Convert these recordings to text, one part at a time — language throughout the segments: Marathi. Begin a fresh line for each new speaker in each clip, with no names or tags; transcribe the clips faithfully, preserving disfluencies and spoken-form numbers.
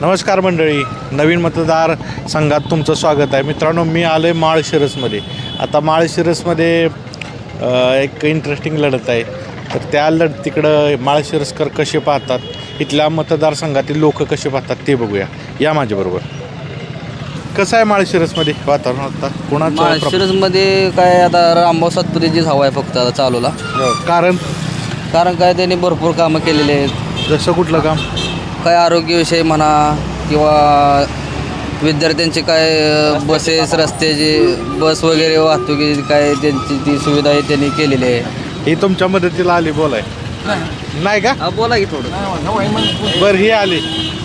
नमस्कार मंडळी, नवीन मतदार संघात तुमचं स्वागत आहे. मित्रांनो, मी आलो आहे माळशिरसमध्ये. आता माळशिरसमध्ये एक इंटरेस्टिंग लढत आहे. तर त्या लढतीकडं माळशिरसकर कसे पाहतात, इथल्या मतदारसंघातील लोक कसे पाहतात ते बघूया. या माझ्याबरोबर. कसं आहे माळशिरसमध्ये वातावरण आता? कोणाचं?
माळशिरसमध्ये काय आता रामभाऊ सातपुतेची हवा आहे फक्त आता चालूला.
कारण
कारण काय त्यांनी भरपूर कामं केलेली आहेत.
जसं कुठलं काम?
काय आरोग्यविषयी म्हणा किंवा विद्यार्थ्यांचे काय बसेस, रस्त्याची बस वगैरे वाहतुकीची काय त्यांची ती सुविधा आहे त्यांनी केलेली आहे.
ही तुमच्या मदतीला आली बोलाय? नाही का?
हा, बोला की थोडं.
बरं, ही आली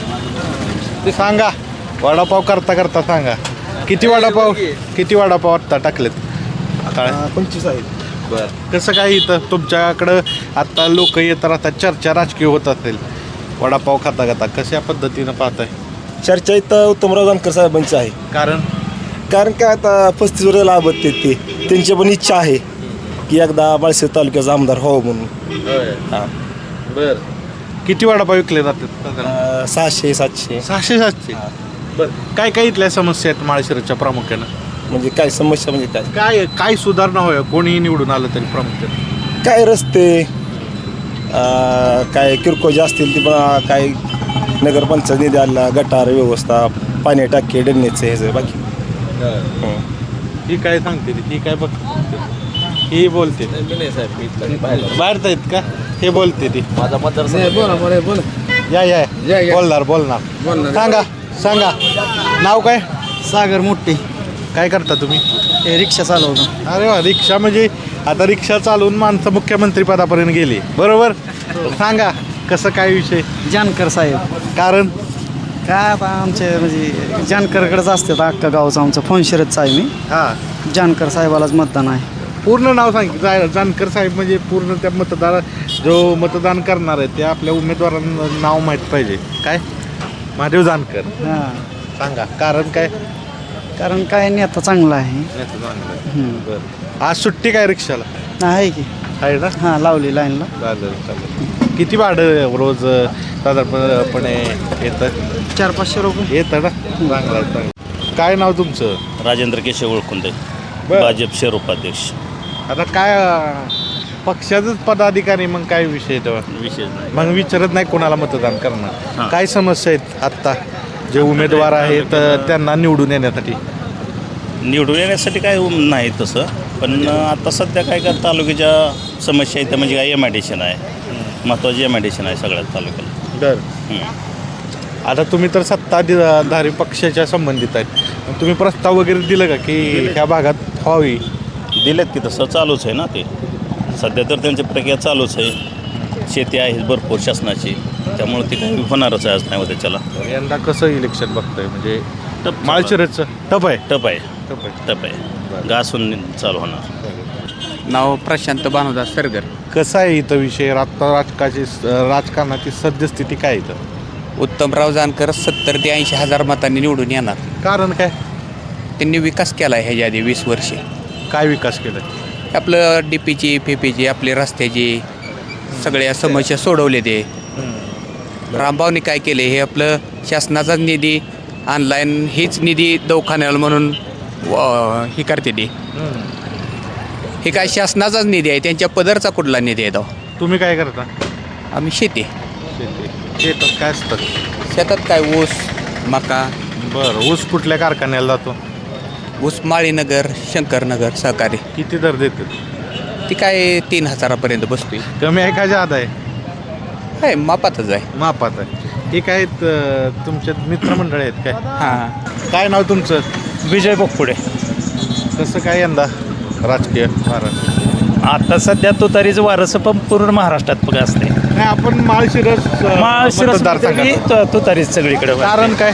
ते सांगा. वडापाव करता करता सांगा, किती वडापाव किती वडापाव आत्ता टाकलेत?
पंचवीस आहेत.
बरं, कसं काय इथं तुमच्याकडं आत्ता लोक येत राहतात, चर्चा राजकीय होत असेल, वडापाव खाता खाता कशा पद्धतीनं पाहताय?
चर्चा इथं उत्तमराव जानकर साहेबांची आहे.
कारण
कारण काय आता पस्तीस वर्ष लाभत ते ते त्यांची पण इच्छा आहे की एकदा माळशिरस तालुक्याचा आमदार व्हावं म्हणून. हां,
बरं, किती वडापाव विकले जातात?
अं, सहाशे सातशे.
सहाशे सातशे. बरं, काय काय इथल्या समस्या आहेत माळशिरसच्या प्रामुख्यानं?
म्हणजे काय समस्या म्हणजे काय
काय काय सुधारणा होय कोणीही निवडून आलं तरी प्रामुख्यानं?
काय रस्ते, अं, काय किरकोळ जे असतील ती पण काय नगरपंचायत निधी आला, गटार व्यवस्था, पाणी टाके, डन्नेचे ह्याचं बाकी. हं.
ही काय सांगते ती? ही काय बघ, ही बोलते बाहेर आहेत का? हे बोलते ती.
माझा मतदार
या या बोलणार बोलणार सांगा सांगा. नाव काय?
सागर मोठे.
काय करता तुम्ही?
हे रिक्षा चालवतो.
अरे वा, रिक्षा म्हणजे आता रिक्षा चालवून माणसं मुख्यमंत्री पदापर्यंत गेली, बरोबर? सांगा कसं काय विषय?
जानकर साहेब.
कारण
काय आता आमचे म्हणजे जानकरकडेच असतात. अख्खा गावचं आमचं फोनशिरतचं आहे मी.
हां,
जानकर साहेबालाच मतदान आहे.
पूर्ण नाव सांग. जानकर साहेब म्हणजे पूर्ण त्या मतदार जो मतदान करणार आहे ते आपल्या उमेदवारांना नाव माहीत पाहिजे. काय? महादेव जानकर.
हां,
सांगा कारण काय?
कारण काय नेता चांगला आहे.
बरं, आज सुट्टी काय रिक्षाला
आहे की?
आहे ना?
हां, लावली लाईनला.
चालेल चालेल. किती भाडं रोज साधारणपणे येतं?
चार पाचशे रुपये
येतं ना? चांगलं आहे चांगलं. काय नाव तुमचं?
राजेंद्र केशव ओळखुंदे,
बरं.
भाजप शहर उपाध्यक्ष.
आता काय अं, पक्षाचंच पदाधिकारी, मग काय विषय तेव्हा?
विशेष नाही.
मग विचारत नाही कोणाला मतदान करणार?
हां.
काय समस्या आहेत आत्ता जे उमेदवार आहेत त्यांना निवडून येण्यासाठी?
निवडून येण्यासाठी काय नाही तसं, पण आता सध्या काय का तालुक्याच्या समस्या आहेत त्या म्हणजे काय एम आय डी सी आहे, महत्त्वाची एम आय डी सी आहे सगळ्यात तालुक्याला.
बरं,
हं.
आता तुम्ही तर सत्ताधारी पक्षाच्या संबंधित आहेत, मग तुम्ही प्रस्ताव वगैरे दिलं का की ह्या भागात व्हावी?
दिलेत की तसं चालूच आहे ना ते. सध्या तर त्यांची प्रक्रिया चालूच आहे. शेती आहे भरपूर शासनाची, त्यामुळे ते काही होणारच आहे आज नाही होतं त्याला.
यंदा कसं इलेक्शन बघतंय? म्हणजे
टप
माळशिरसचं टप आहे.
टप आहे
टप आहे.
टप आहे घासून चालू होणार.
नाव प्रशांत भानुदास सरगर.
कसं आहे इथं विषय? आता राजकाची राजकारणाची सद्यस्थिती काय इथं?
उत्तमराव जानकर सत्तर ते ऐंशी हजार मतांनी निवडून येणार.
कारण काय?
त्यांनी विकास केला आहे ह्याच्या आधी वीस वर्षे.
काय विकास केला?
आपलं डी पीची फेपीची आपली रस्त्याची सगळ्या समस्या सोडवले ते. रामभाऊनी काय केले, हे आपलं शासनाचाच निधी ऑनलाईन हीच निधी दवाखान्याला म्हणून व- ही करते ती. हे काय शासनाचाच निधी आहे, त्यांच्या पदरचा कुठला निधी आहे तो?
तुम्ही काय करता?
आम्ही शेती.
शेतात काय असतं?
शेतात काय ऊस, मका,
बरं, ऊस कुठल्या कारखान्याला जातो?
ऊस माळीनगर, शंकरनगर सहकारी.
किती दर देतात?
ती काय तीन हजारापर्यंत बसतोय.
कमी आहे का जादा आहे?
आहे मापातच आहे.
मापात आहे. हे काय आहेत, अं, तुमचे मित्रमंडळी आहेत काय?
हां,
काय नाव तुमचं?
विजय बोगपुडे.
कसं काय यंदा राजकीय महाराष्ट्र?
आता सध्या तुतारीचं वारसं पण पूर्ण महाराष्ट्रात बघा असते.
नाही, आपण माळशिरस अं,
महाशिरस
मतदारसंघात.
तुतारीच सगळीकडे.
कारण काय?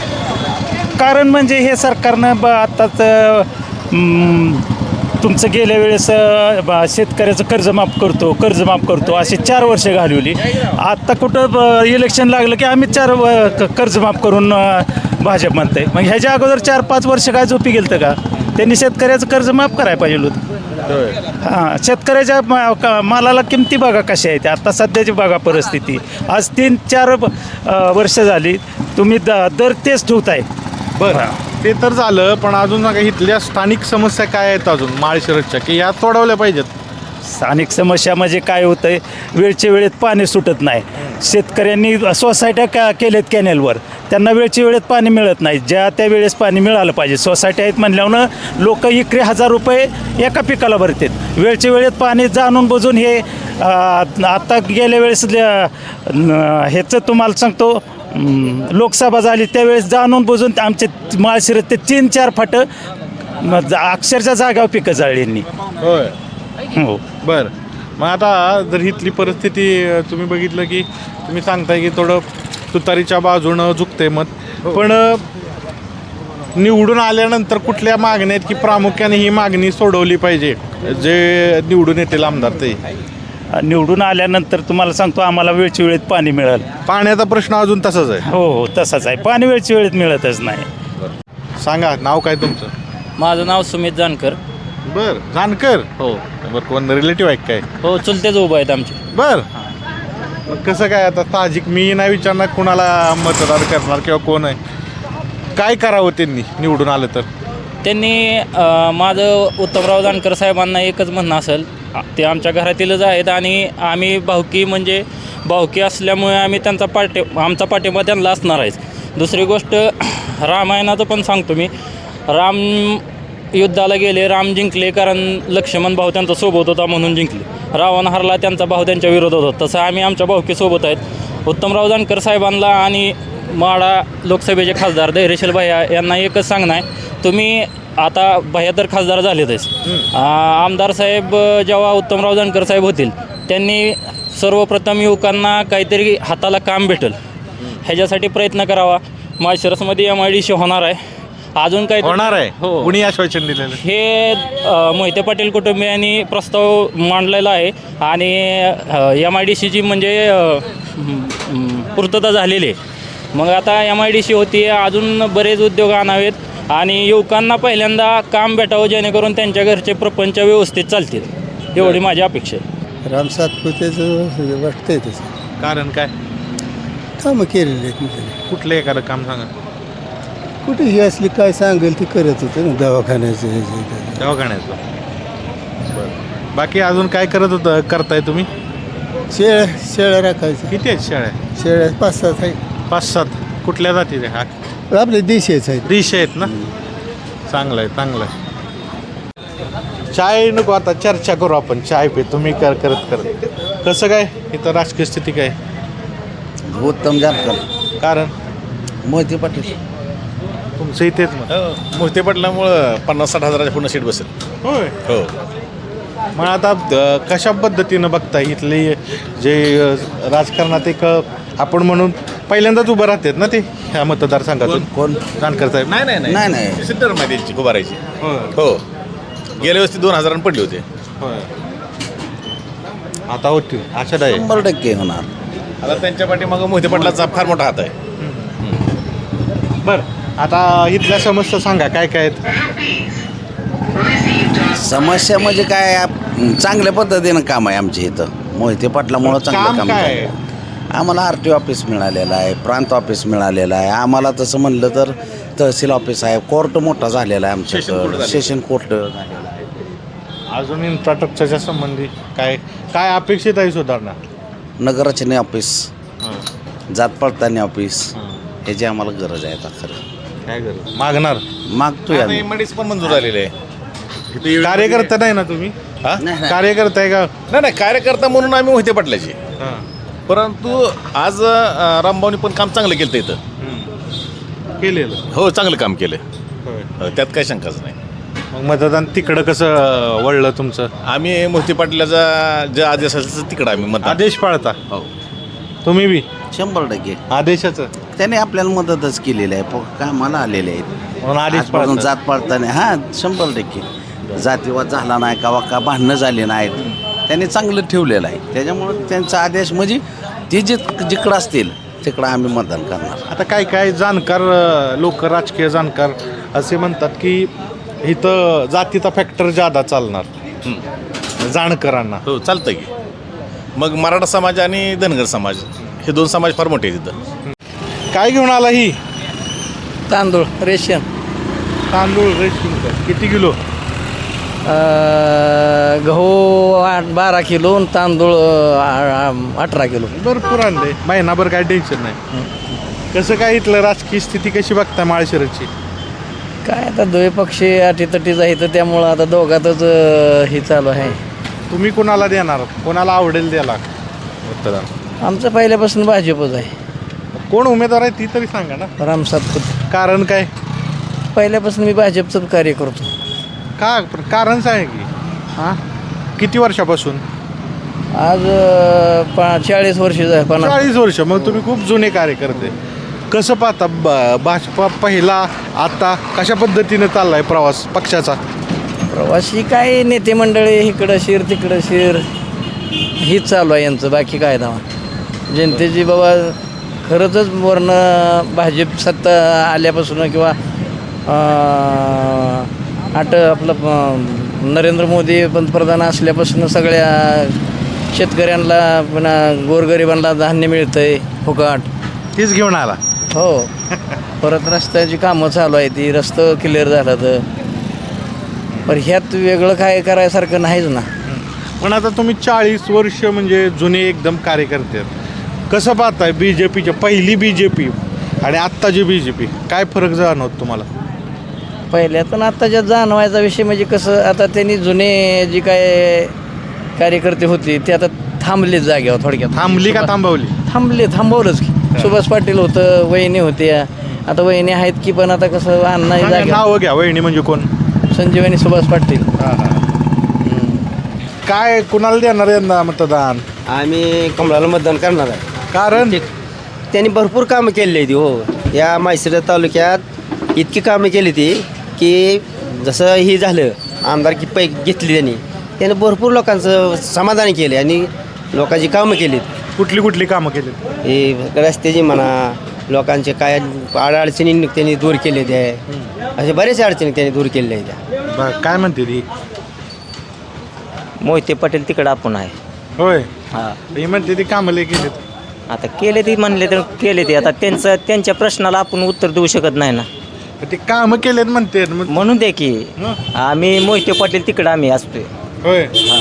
कारण म्हणजे हे सरकारनं ब आत्ताच अं, तुमचं गेल्या वेळेस अं, ब- शेतकऱ्याचं कर्ज माफ करतो कर्ज माफ करतो असे चार वर्ष घालवली. आत्ता कुठं ब- इलेक्शन लागलं की आम्ही चार व- क- कर्ज माफ करून अं, भाजप म्हणतंय. मग ह्याच्या अगोदर चार पाच वर्ष काय झोपी गेलं का? त्यांनी शेतकऱ्याचं कर्ज माफ करायला पाहिजे होतं. हां, शेतकऱ्याच्या मा- का- मालाला किमती बघा कशा आहेत आता सध्याची बघा परिस्थिती. आज तीन चार अ, वर्ष झाली तुम्ही द दर तेच ठेवताय.
बरं ते तर झालं, पण अजून सांगा इथल्या स्थानिक समस्या काय आहेत अजून माळशिरसच्या की ह्या सोडवल्या पाहिजेत?
स्थानिक समस्या म्हणजे काय होतं आहे, वेळच्या वेळेत पाणी सुटत नाही. शेतकऱ्यांनी सोसायट्या का केल्यात कॅनेलवर, त्यांना वेळच्या वेळेत पाणी मिळत नाही. ज्या त्या वेळेस पाणी मिळालं पाहिजे. सोसायट्या आहेत म्हणल्यानं लोक इकडे हजार रुपये एका पिकाला भरतात. वेळच्या वेळेत पाणी जाणून बुजून हे आता गेल्या वेळेस ह्याचं तुम्हाला सांगतो, लोकसभा झाली त्यावेळेस जाणून बुजून आमचे माळशिरस ते तीन चार फाटं अक्षरशः जागावर पिकं जाळली यांनी.
होय.
हो.
बरं मग आता जर इथली परिस्थिती अ, तुम्ही बघितलं की तुम्ही सांगताय की थोडं तुतारीच्या बाजूनं झुकते मत, पण अ, निवडून आल्यानंतर कुठल्या मागण्या आहेत की प्रामुख्याने ही मागणी सोडवली पाहिजे जे निवडून येतील आमदार ते?
निवडून आल्यानंतर तुम्हाला सांगतो आम्हाला वेळच्या वेळेत पाणी मिळेल.
पाण्याचा प्रश्न अजून तसाच आहे.
हो हो तसाच आहे. पाणी वेळच्या वेळेत मिळतच नाही.
सांगा नाव काय तुमचं?
माझं नाव सुमित जानकर.
बर जानकर.
हो
बरं कोण रिलेटिव्ह आहे काय?
हो चुलतेच उभं आहेत आमचे.
बर मग कसं काय आता साहजिक मी नाही विचारणार कुणाला मतदार करणार किंवा कोण आहे, काय करावं त्यांनी निवडून आलं तर?
त्यांनी अ, माझं उत्तमराव जानकर साहेबांना एकच म्हणणं असेल, ते आमच्या घरातीलच आहेत आणि आम्ही भावकी म्हणजे भावकी असल्यामुळे आम्ही त्यांचा पाठी आमचा पाठिंबा त्यांना असणार आहेच. दुसरी गोष्ट रामायणाचं पण सांगतो मी, राम युद्धाला गेले, राम जिंकले कारण लक्ष्मण भाऊ त्यांचा सोबत होता म्हणून जिंकले. रावण हरला, त्यांचा भाऊ त्यांच्या विरोधात होता. तसं आम्ही आमच्या भावकीसोबत आहेत. उत्तमराव जानकर साहेबांना आणि माढा लोकसभेचे खासदार धैर्यशील भैया यांना एकच सांगणं आहे, तुम्ही आता भैया तर खासदार झालेतच, आमदार साहेब जेव्हा उत्तमराव जानकर साहेब होतील त्यांनी सर्वप्रथम युवकांना काहीतरी हाताला काम भेटेल ह्याच्यासाठी प्रयत्न करावा. माळशिरसमध्ये एम आय डी सी होणार आहे, अजून काही
होणार आहे.
हो.
कुणी आश्वासन दिलेलं?
हे अ, मोहिते पाटील कुटुंबियांनी प्रस्ताव मांडलेला आहे आणि एम आय डी सीची म्हणजे अ, म, पूर्तता झालेली आहे. मग आता एम आय डी सी होती, अजून बरेच उद्योग आणावेत आणि युवकांना पहिल्यांदा काम भेटावं जेणेकरून त्यांच्या घरचे प्रपंच व्यवस्थित चालतील, एवढी माझी अपेक्षा आहे.
राम सातपुतेचं वाटतंय तसं
कारण काय?
कामं केलेली आहेत ना त्याने.
कुठलं एखादं काम सांगा.
कुठे ही असली काय सांगेल ती करत होतं ना, दवाखान्याचं हे जे ते.
दवाखान्याचं. बाकी अजून काय करत होतं करताय तुम्ही?
शेळ्या शेळ्या राखायचं.
किती आहेत शेळ्या?
शेळ्या पाच सात आहेत.
पाच सात. कुठल्या जाती हा?
आपले देशीच आहेत.
डिश आहेत ना? चांगलं आहे चांगलं आहे. चाय नको आता चर्चा करू आपण. चाय पे तुम्ही कर करत करत कसं काय इथं राजकीय स्थिती काय?
उत्तम जानकर.
कारण
मोहिते पाटील.
तुमचं इथेच मग.
मोहिते पाटलामुळं पन्नास साठ हजाराच्या पूर्ण सीट बसेल.
होय.
हो.
मग आता अ, कशा पद्धतीनं बघताय इथले जे अ, राजकारणात एक अ, आपण म्हणून पहिल्यांदाच उभं राहतात ना ते ह्या मतदारसंघातून?
कोण?
जानकर साहेब.
नाही नाही
नाही, नाही.
सिद्धार्थ माहिती यांची उभारायची.
होय.
हो. गेल्या वेळेस ती दोन हजारांनी पडली होते.
होय. आता होतील आशा आहे.
शंभर टक्के होणार.
आता त्यांच्या पाठीमागं मोहिते पाटलाचा फार मोठा हात आहे.
बरं आता इथल्या समस्या सांगा काय काय आहेत?
समस्या म्हणजे काय, आप- चांगल्या पद्धतीनं काम आहे आमच्या इथं. मोहिते पाटलामुळं चांगलं
काम
काम
काय
आहे.
आहे?
आम्हाला आर टी ऑफिस मिळालेलं आहे, प्रांत ऑफिस मिळालेलं आहे. आम्हाला तसं म्हणलं तर तहसील ऑफिस आहे, कोर्ट मोठा झालेला आहे
सेशन कोर्ट
आमच्याकडं,
झालेलं.
सेशन कोर्ट झालेलं आहे.
अजून इन्फ्रास्ट्रक्चरच्या संबंधी काय काय अपेक्षित आहे सुधारणा?
नगररचने ऑफिस, जात पडताळणी ऑफिस, ह्याची आम्हाला गरज आहे आता खरं.
काय गरज मागणार?
मागतोय आम्ही.
एमआयडीसी पण मंजूर झालेले आहे.
कार्यकर्ता नाही ना तुम्ही?
हा?
नाही, नाही.
कार्यकर्ता आहे का?
नाही नाही कार्यकर्ता म्हणून आम्ही मोहिते पाटलाचे,
हां.
परंतु आज अं, रामभाऊनी पण काम चांगलं केलं इथं.
केलेलं.
हो चांगलं काम केलं.
होय.
हो, त्यात काही शंकाच नाही.
मग मतदान तिकडं कसं वळलं तुमचं?
आम्ही मोहिते पाटलाचा जे आदेश असेल तिकडं आम्ही मत
आदेश पाळता
हो,
तुम्ही बी
शंभर टक्के.
आदेशाचं
त्याने आपल्याला मदतच केलेली आहे, प- कामाला आलेले आहेत.
म्हणून आदेश
आजपासून
पाळता.
जात पडताना हां शंभर टक्के. जातीवाद झाला नाही का, का भांडणं झाली नाहीत, त्यांनी चांगलं ठेवलेलं आहे. त्याच्यामुळं त्यांचा आदेश म्हणजे ती जित जिकडं असतील तिकडं आम्ही मतदान करणार.
आता काय काय जाणकार लोक राजकीय जाणकार असे म्हणतात की इथं जातीचा फॅक्टर जादा चालणार जाणकारांना.
हो चालतं की. मग मराठा समाज आणि धनगर समाज हे दोन समाज फार मोठे आहेत तिथं.
काय घेऊन आला ही
तांदूळ रेशन
तांदूळ रेशन किती किलो?
गहू आठ बारा किलो आणि तांदूळ अठरा किलो.
भरपूर आणले, महिनाभर काय टेन्शन नाही. कसं काय इथलं राजकीय स्थिती कशी बघताय माळशिरसची?
काय आता दोन्ही पक्षी अटीतटीच आहे तर त्यामुळं आता दोघातच हे चालू आहे.
तुम्ही कोणाला देणार, कोणाला आवडेल द्यायला मतदान?
आमचं पहिल्यापासून भाजपच आहे.
कोण उमेदवार आहे ती तरी सांगा ना.
राम सातपुते.
कारण काय?
पहिल्यापासून मी भाजपचं कार्य करतो.
का कारण आहे की
हां
किती वर्षापासून?
आज पा चाळीस वर्ष आहे. पन्नास
चाळीस वर्ष. मग तुम्ही खूप जुने कार्यकर्ते. कसं पाहता ब- भाजपा पहिला आता कशा पद्धतीने चाललाय प्रवास पक्षाचा?
प्रवासी काय नेते मंडळी इकडं शिर तिकडं शिर हीच चालू आहे यांचं. बाकी काय दावा जनतेची बाबा खरंच वर्ण भाजप सत्ता आल्यापासून किंवा आट आपलं अं, नरेंद्र मोदी पंतप्रधान असल्यापासून सगळ्या शेतकऱ्यांना पुन्हा गोरगरिबांना धान्य मिळतं आहे फुकाट.
तीच घेऊन आला.
हो. परत रस्त्याची कामं चालू आहे, ती रस्तं क्लिअर झालं तर. पण ह्यात वेगळं काय करायसारखं नाहीच ना.
पण आता तुम्ही चाळीस वर्ष म्हणजे जुने एकदम कार्यकर्ते आहेत. कसं पाहताय बी जे पीच्या पहिली बी जे पी आणि आत्ताची बी जे पी काय फरक जाणवत तुम्हाला?
पहिल्यातून आत्ताच्या जाणवायचा विषय म्हणजे कसं आता त्यांनी जुने जी काय कार्यकर्ते होते ते आता थांबले जागेवर थोडक्यात.
थांबली का थांबवली?
थांबले थांबवलंच की. सुभाष पाटील होतं, वहिनी होत्या, आता वहिनी आहेत की पण आता कसं अण्णा जागे.
नाव घ्या. वहिनी म्हणजे कोण?
संजीवनी सुभाष पाटील.
काय कुणाला देणार यंदा मतदान?
आम्ही कमळाला मतदान करणार आहे.
कारण
त्यांनी भरपूर कामं केली ती. हो, या माळशिरस तालुक्यात इतकी कामं केली ती की जसं ही झालं आमदारकी पै घेतली त्यांनी त्याने भरपूर लोकांचं समाधान केले आणि लोकांची कामं केलीत.
कुठली कुठली कामं केली?
हे रस्त्याची म्हणा, लोकांचे काय अडचणी त्यांनी दूर केले ते असे बरेच अडचणी त्यांनी दूर केलेल्या आहेत.
बरं, काय म्हणते ती?
मोहिते पाटील तिकडं आपण आहे.
होय.
हां,
ही म्हणते ती कामं लय केलीत.
आता केले ते म्हणले तर केले ते. आता त्यांचं त्यांच्या प्रश्नाला आपण उत्तर देऊ शकत नाही ना.
ते कामं केलेत म्हणते मग.
म्हणून दे की
हं?
आम्ही मोहिते पाटील तिकडं आम्ही असतोय.
होय.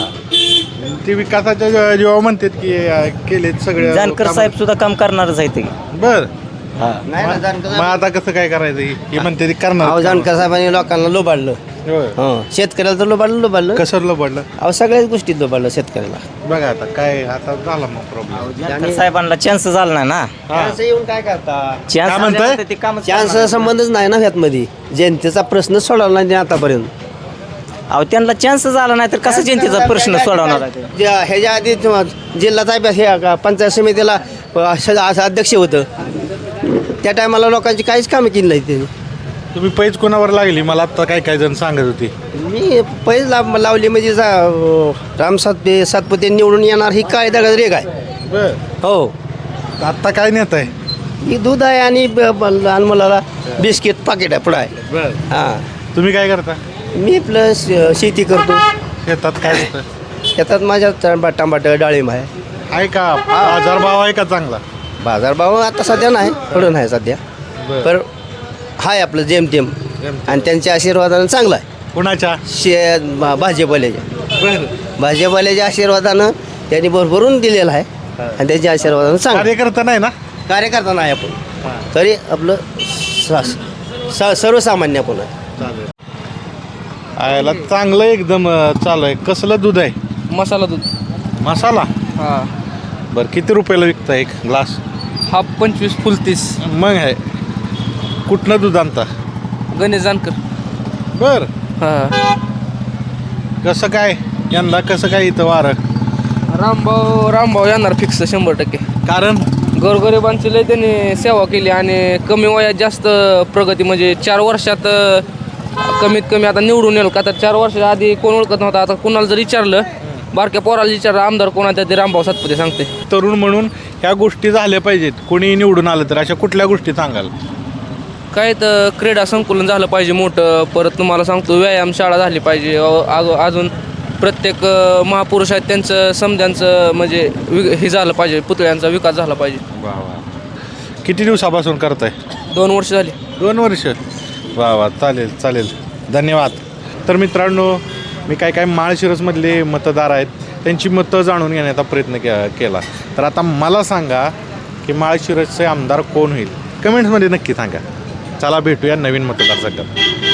हां,
ते विकासाच्या जे- जेव्हा म्हणतात की अं, केलेत सगळे
जानकर साहेब सुद्धा काम करणारच आहेत.
बर.
हां,
नाही ना, जानकर
मग आता कसं काय करायचं? ही ही म्हणते ती करणार.
अहो जानकर साहेबांनी लोकांना लोबाडलं.
होय.
हं, शेतकऱ्याला तर लोबाडलं लोबाडलं
कसं पडलं
अहो सगळ्याच गोष्टीत लोबाडलं शेतकऱ्याला.
बघा आता काय आता झाला मग प्रॉब्लेम.
जानकर साहेबांना चान्स झाला नाही ना.
चान्स येऊन काय करता?
काय म्हणताय?
चान्स ते काम
चान्स संबंधच नाही ना ह्यातमध्ये. जनतेचा प्रश्न सोडवला नाही त्यांनी आतापर्यंत.
अहो त्यांना चान्स झाला नाही तर कसं जनतेचा प्रश्न सोडवणार आहे ते?
ज्या- ह्याच्या आधी जिल्हा साहेब हे का पंचायत समितीला असं असं अध्यक्ष होतं त्या टायमाला लोकांची काहीच कामं केली नाही त्यांनी.
तुम्ही पैज कोणावर लागली मला आता काय काय जण सांगत होती.
मी पैज लाव लावली म्हणजे जा- राम सातपे सातपुते निवडून येणार ही काय दगड रेग आहे.
बर.
हो,
आता काय नेत आहे?
ही दूध आहे आणि ब- ब- लहान मुलाला बिस्किट पाकिट आहे पुढं आहे.
बर.
हां,
तुम्ही काय करता?
मी प्लस शेती करतो.
शेतात काय होतं?
शेतात माझ्या टमाट टमाटर डाळिंब आहे.
आहे का बाजार भाव आहे का चांगला?
बाजारभाव आता सध्या नाही, थोडं नाही सध्या,
बर.
पण हाय आपलं जेमतेम आणि त्यांच्या आशीर्वादानं चांगलं आहे.
कुणाच्या?
शे भा- भाजपवाल्याच्या
बर.
भाजपवाल्याच्या आशीर्वादानं त्यांनी भरभरून दिलेलं आहे आणि त्यांच्या आशीर्वादानं चांगलं
कार्यकर्ता नाही ना?
कार्यकर्ता नाही आपण तरी आपलं स- स- सर्वसामान्य आपण आहे.
चालेल. आयला चांगलं एकदम अं, चालू आहे. कसलं दूध आहे?
मसाला दूध.
मसाला.
हां,
बरं, किती रुपयाला विकता एक ग्लास?
हा पंचवीस फुल तीस.
मग आहे. कुठनं दूध आणता?
गणेश जानकर.
बर.
हां,
कसं काय यंदा कसं काय इथं वारं?
रामभाऊ रामभाऊ येणार फिक्स शंभर टक्के.
कारण
गोरगरिबांची लय त्यांनी सेवा केली आणि कमी वयात जास्त प्रगती म्हणजे चार वर्षात अ, कमीत कमी आता निवडून येईल का तर चार वर्षाच्या आधी कोण ओळखत नव्हता. आता कोणाला जर विचारलं बारक्या पोराला विचारलं आमदार कोणाचा ते रामभाऊ सातपुते सांगते.
तरुण म्हणून ह्या गोष्टी झाल्या पाहिजेत. कोणी निवडून आलं तर अशा कुठल्या गोष्टी सांगाल?
काय तर क्रीडा संकुलन झालं पाहिजे मोठं. परत तुम्हाला सांगतो व्यायामशाळा झाली पाहिजे. अ- अग- अजून प्रत्येक अ, महापुरुष आहेत त्यांचं समध्यांचं म्हणजे वि हे झालं पाहिजे, पुतळ्यांचा विकास झाला पाहिजे.
वा वा. किती दिवसापासून करताय?
दोन वर्ष झाली.
दोन वर्ष. वा वा, चालेल चालेल, धन्यवाद. तर मित्रांनो, मी काय काय माळशिरसमधले मतदार आहेत त्यांची मतं जाणून घेण्याचा प्रयत्न के केला. तर आता मला सांगा की माळशिरसचे आमदार कोण होईल? कमेंट्समध्ये नक्की सांगा. चला भेटूया नवीन मतदारसंघात.